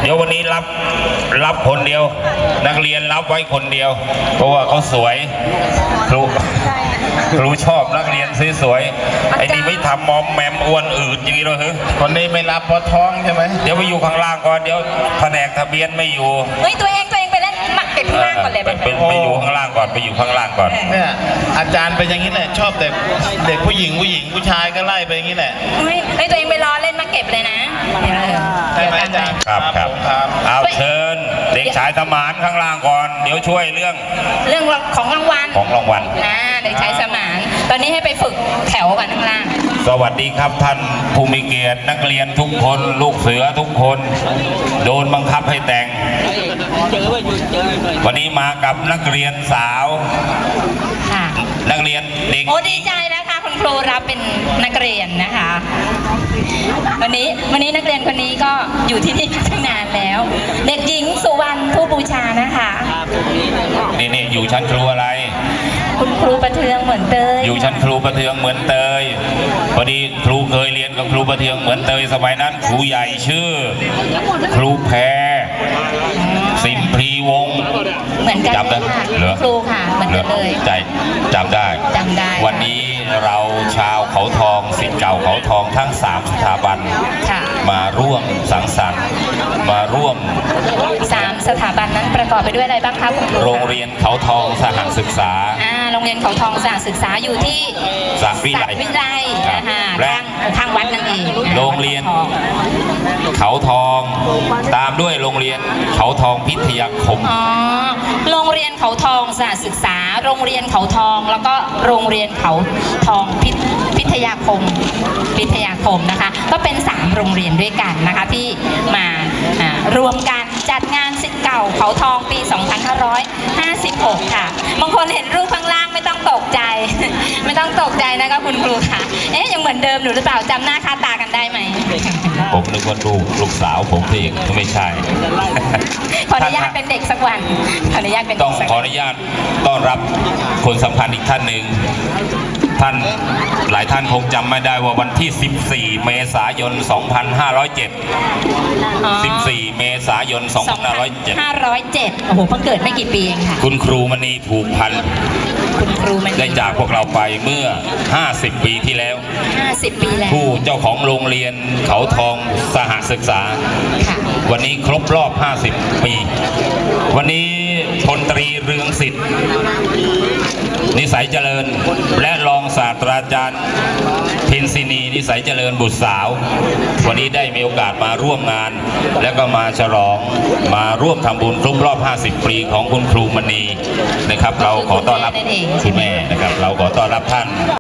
ดี๋ยววันนี้รับคนเดียวนักเรียนรับไว้คนเดียวเพราะว่าเขาสวยครูชอบนักเรียนสวยๆไอ้นี่ไม่ทำมอมแมมอ้วนอืดอย่างนี้เลยคนนี้ไม่รับเพราะท้องใช่ไหมเดี๋ยวไปอยู่ข้างล่างก่อนเดี๋ยวแผนกทะเบียนไม่อยู่เฮ้ยตัวเองไปเล่นหมักเป็ดข้างล่างก่อนเลยไปอยู่ข้างล่างก่อนไปอยู่ข้างล่างก่อนเนี่ยอาจารย์เป็นอย่างนี้แหละชอบแต่เด็กผู้หญิงผู้ชายก็ไล่ไปอย่างนี้แหละเฮ้ยตัวเองไปรอเล่นมาเก็บเลยนะใช่ไหมอาจารย์ครับเอาเชิญเด็กชายสมานข้างล่างก่อนเดี๋ยวช่วยเรื่องของรางวัลเด็กชายสมานตอนนี้ให้ไปฝึกแถวกันข้างล่างสวัสดีครับท่านผู้มีเกียรตินักเรียนทุกคนลูกเสือทุกคนโดนบังคับให้แต่งวันนี้มากับนักเรียนสาวนักเรียนเด็กโอ้ดีใจนะคะคุณครูรับเป็นนักเรียนนะคะวันนี้นักเรียนคนนี้ก็อยู่ที่นี่ตั้งนานแล้วเด็กหญิงสุวรรณผู้บูชานะคะนี่อยู่ชั้นครูอะไรคุณครูประเทืองเหมือนเตยอยู่ชั้นครูประเทืองเหมือนเตยพอดีครูเคยเรียนกับครูประเทืองเหมือนเตยสมัยนั้นครูใหญ่ชื่อครูแพรสิมพรีวงศ์เหมือนกันเลยค่ะครูค่ะเหมือนกันเลยจำได้วันนี้เราชาวเขาทองศิษย์เก่าเขาทองทั้ง3สถาบันมาร่วมสังสรรค์มาร่วม 3สถาบันนั้นประกอบไปด้วยอะไรบ้างคะคุณครูโรงเรียนเขาทองสหศึกษาโรงเรียนเขาทองสหศึกษาอยู่ที่สระวิไลและข้างวัดนั่นเองโรงเรียนเขาทองตามด้วยโรงเรียนเขาทองพิทยาคมโรงเรียนเขาทองสหศึกษาโรงเรียนเขาทองแล้วก็โรงเรียนเขาทองพิทยาคมนะคะก็เป็น3โรงเรียนด้วยกันนะคะที่มารวมกันจัดงานศิษย์เก่าเขาทองปี 2556 ค่ะบางคนเห็นรูปข้างล่างไม่ต้องตกใจไม่ต้องตกใจนะคะคุณครูค่ะยังเหมือนเดิมหรือเปล่าจำหน้าค่าตากันได้ไหมผมนึกว่าลูกสาวผมเองไม่ใช่ขออนุญาตเป็นเด็กสักวันต้องขออนุญาตต้อนรับคนสำคัญอีกท่านหนึ่งท่านหลายท่านคงจำไม่ได้ว่าวันที่14เมษายน2507 14เมษายน 2507โอ้โหเพิ่งเกิดไม่กี่ปีเองค่ะคุณครูมณีผูกพันคุณครูมณีได้จากพวกเราไปเมื่อ50 ปีที่แล้ว 50 ปีแล้วผู้เจ้าของโรงเรียนเขาทองสหศึกษาวันนี้ครบรอบ50 ปีวันนี้พลตรีเรืองสิทธิ์นิสัยเจริญและรองศาสตราจารย์เพ็ญศินีนิสัยเจริญบุตรสาววันนี้ได้มีโอกาสมาร่วมงานแล้วก็มาฉลองมาร่วมทำบุญครบรอบ50 ปีของคุณครูมณีนะครับเราขอต้อนรับคุณแม่นะครับเราขอต้อนรับท่าน